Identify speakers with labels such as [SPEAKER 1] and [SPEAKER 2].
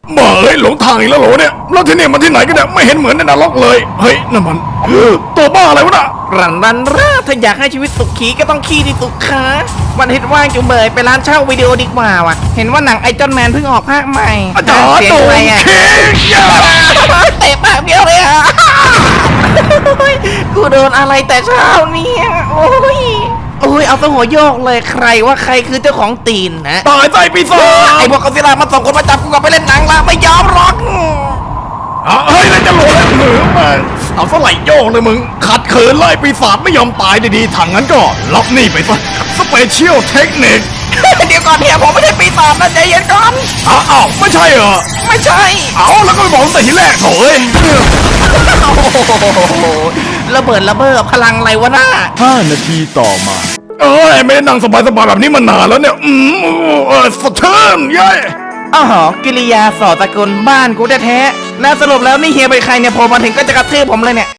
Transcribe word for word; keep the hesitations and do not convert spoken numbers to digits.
[SPEAKER 1] บ้าเฮ้ยหลงทางอีกแล้วเหรอเนี่ยแล้วที่นี่มันที่ไหนกันเนี่ยไม่เห็นเหมือนในนรกเลยเฮ้ยนั่นมันตัวบ้าอะไรวะน่ะ
[SPEAKER 2] รันรันร่าถ้าอยากให้ชีวิตสุขีก็ต้องขี้ที่สุขาวันอาทิตย์ว่างจุ๋มเบยไปร้านเช่าวิดีโอดีกว่าว่ะเห็นว่าหนังไอจอนแมนเพิ่งออกภาคใหม่
[SPEAKER 1] อาจารย์
[SPEAKER 2] เสียง
[SPEAKER 1] โด
[SPEAKER 2] อะไร
[SPEAKER 1] น
[SPEAKER 2] อ่ะ
[SPEAKER 1] เค้กยา
[SPEAKER 2] เตะปากเดียวเลยอ่ะกูโดนอะไรแต่เช้าเนี่ยโอ้ยโอ้ยเอาตัวหัวโยกเลยใครว่าใครคือเจ้าของตีนนะ
[SPEAKER 1] ตายใจปีศาจ
[SPEAKER 2] ไอพวกกอซิลล่ามันส่งคนมาจับกูกลับไปเล่นหนังละไม่ยอมหรอก
[SPEAKER 1] อ่ะเฮ้ยนั่นจะหลงแล้วเหนือมาเอาสไลด์โยกเลยมึงขัดขืนไล่ปีศาจไม่ยอมตายดีๆถังนั้นก็รับนี่ไปซะสเปเชียลเทคนิค
[SPEAKER 2] เดี๋ยวก่อนเนี่ยผมไม่ใช่ปีศาจนะใจเย็นก่อน
[SPEAKER 1] อ้าวอ้าวไม่ใช่เหรอ
[SPEAKER 2] ไม่ใช่
[SPEAKER 1] เอาแล้วก็ไปบอกตั้งแต่ทีแรกโถ่เอ้ย
[SPEAKER 2] โอ้โหระเบิดระเบ้อพลังอะไรวะน่า
[SPEAKER 3] ห้านาทีต่อมา
[SPEAKER 1] เอ้ยไม่ได้นั่งสบายๆแบบนี้มานานแล้วเนี่ยอืมเออสะเทือนเย้ย
[SPEAKER 2] อ๋อกิริยาสอตะกลบ้านกูแท้ๆแล้วสรุปแล้วนี่เฮียเป็นใครเนี่ยพอมาถึงก็จะกระทืบผมเลยเนี่ย